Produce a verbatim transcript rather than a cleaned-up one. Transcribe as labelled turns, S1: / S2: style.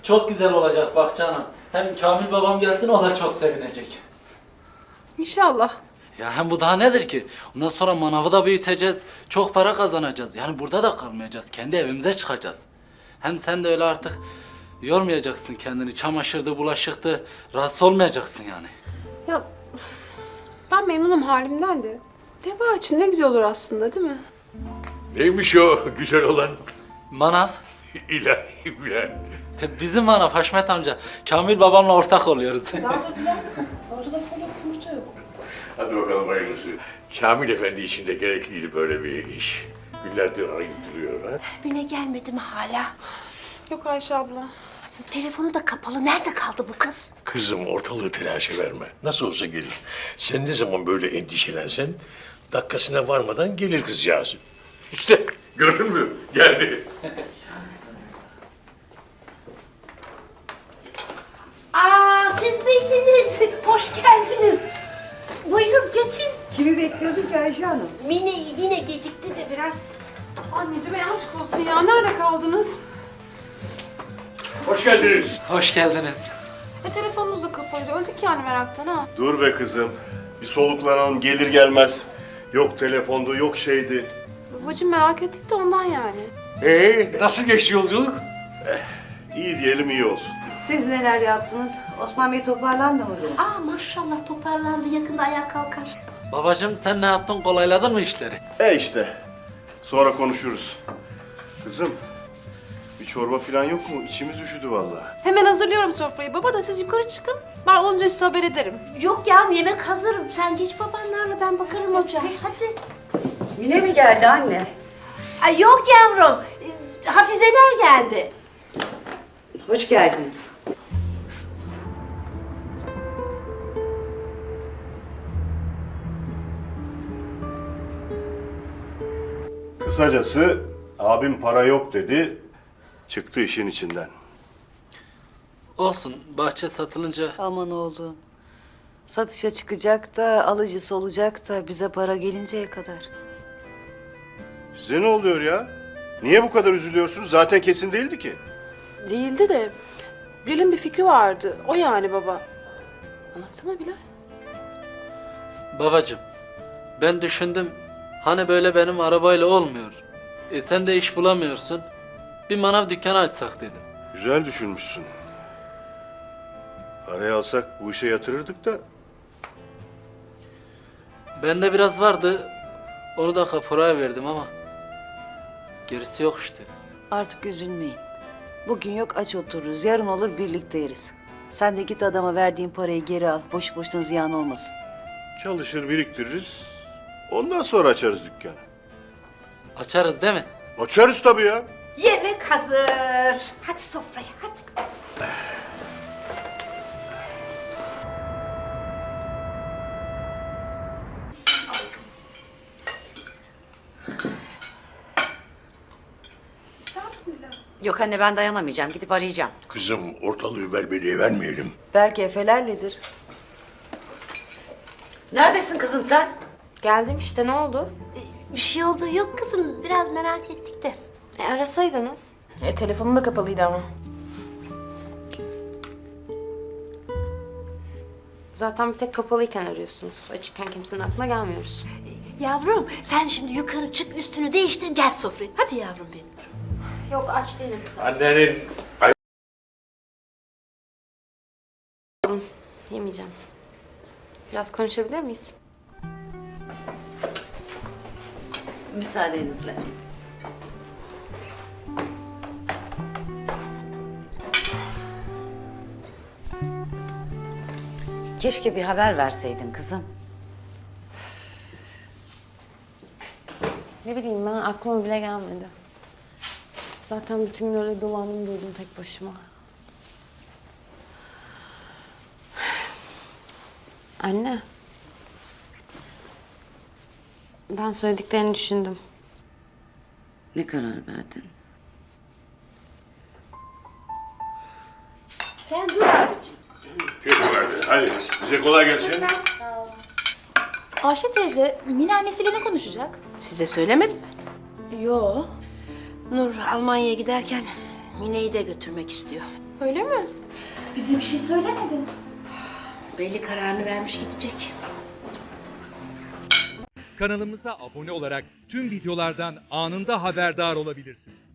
S1: Çok güzel olacak bak canım. Hem Kamil babam gelsin, o da çok sevinecek.
S2: İnşallah.
S1: Ya hem bu daha nedir ki? Ondan sonra manavı da büyüteceğiz. Çok para kazanacağız. Yani burada da kalmayacağız. Kendi evimize çıkacağız. Hem sen de öyle artık yormayacaksın kendini. Çamaşırdı, bulaşıktı. Rahatsız olmayacaksın yani.
S2: Ya ben memnunum halimden de. Deva için ne güzel olur aslında, değil mi?
S3: Neymiş o güzel olan?
S1: Manav.
S3: İlahi Bilal.
S1: Bizim manav Haşmet amca. Kamil babamla ortak oluyoruz.
S3: Hadi bakalım hayırlısı. Kamil Efendi için de gerekliydi böyle bir iş. Günlerdir arayıp duruyor ha.
S4: Mine gelmedi mi hala?
S2: Yok Ayşe abla.
S4: Telefonu da kapalı. Nerede kaldı bu kız?
S3: Kızım ortalığı telaşa verme. Nasıl olsa gelir. Sen ne zaman böyle endişelensen dakikasına varmadan gelir kızcağız. İşte gördün mü? Geldi.
S4: Aa, siz miydiniz? Hoş geldiniz. Buyurun geçin.
S5: Kimi bekliyorduk ki Ayşe Hanım?
S4: Mine yine gecikti de biraz.
S2: Anneciğim aşk olsun ya. Nerede kaldınız?
S3: Hoş geldiniz.
S1: Hoş geldiniz.
S2: E telefonunuz da kapalıydı. Öldük yani meraktan ha.
S6: Dur be kızım. Bir soluklanalım gelir gelmez. Yok telefondu, yok şeydi.
S2: Babacığım merak ettik de ondan yani.
S3: Ee, nasıl geçti yolculuk?
S6: İyi diyelim iyi olsun.
S5: Siz neler yaptınız? Osman Bey toparlandı mı biraz?
S4: Aa maşallah toparlandı. Yakında ayağa kalkar.
S1: Babacığım sen ne yaptın? Kolayladın mı işleri?
S6: E işte. Sonra konuşuruz. Kızım, bir çorba falan yok mu? İçimiz üşüdü vallahi.
S2: Hemen hazırlıyorum sofrayı. Baba da siz yukarı çıkın. Ben olunca size haber ederim.
S4: Yok ya yemek hazır. Sen geç babanlarla ben bakarım hocam. Hadi.
S5: Mine mi geldi anne?
S4: Ay yok yavrum. Ee, Hafizeler geldi.
S5: Hoş geldiniz.
S6: Kısacası abim para yok dedi. Çıktı işin içinden.
S1: Olsun. Bahçe satılınca
S5: Aman oğlum. Satışa çıkacak da alıcısı olacak da bize para gelinceye kadar.
S6: Size ne oluyor ya? Niye bu kadar üzülüyorsunuz? Zaten kesin değildi ki.
S2: Değildi de Bilal'in bir fikri vardı. O yani baba. Anlatsana Bilal.
S1: babacığım, ben düşündüm. Hani böyle benim arabayla olmuyor. E sen de iş bulamıyorsun. Bir manav dükkanı açsak dedim.
S6: Güzel düşünmüşsün. Parayı alsak bu işe yatırırdık da.
S1: Bende biraz vardı. Onu da kapuraya verdim ama gerisi yok işte.
S5: Artık üzülmeyin. Bugün yok aç otururuz. Yarın olur birlikte yeriz. Sen de git adama verdiğin parayı geri al. Boş boşuna ziyan olmasın.
S6: Çalışır biriktiririz. Ondan sonra açarız dükkanı.
S1: Açarız değil mi?
S6: Açarız tabii ya.
S4: Yemek hazır. Hadi sofraya hadi.
S7: Yok anne ben dayanamayacağım. Gidip arayacağım.
S3: Kızım ortalığı velveleye vermeyelim.
S5: Belki Efelerledir.
S7: Neredesin kızım sen?
S2: Geldim işte, ne oldu?
S4: Bir şey oldu yok kızım. Biraz merak ettik de.
S2: E arasaydınız. E telefonum da kapalıydı ama. Zaten bir tek kapalıyken arıyorsunuz. Açıkken kimsenin aklına gelmiyoruz.
S4: Yavrum sen şimdi yukarı çık üstünü değiştir gel sofraya. Hadi yavrum benim.
S2: Yok aç değilim sen.
S3: Annenin
S2: Yemeyeceğim. Biraz konuşabilir miyiz?
S5: Müsaadenizle.
S7: Keşke bir haber verseydin kızım.
S2: Ne bileyim ben, aklıma bile gelmedi. Zaten bütün gün öyle dolandım durdum tek başıma. Anne. Ben söylediklerini düşündüm.
S7: Ne karar verdin?
S4: Sen dur abicim.
S3: Peki verdi. Hadi size kolay gelsin.
S8: Ayşe teyze, Mine annesiyle ne konuşacak?
S4: Size söylemedim mi?
S8: Yo.
S4: Nur Almanya'ya giderken Mine'yi de götürmek istiyor.
S2: Öyle mi?
S8: Bize bir şey söylemedi.
S4: Belli kararını vermiş gidecek.
S9: Kanalımıza abone olarak tüm videolardan anında haberdar olabilirsiniz.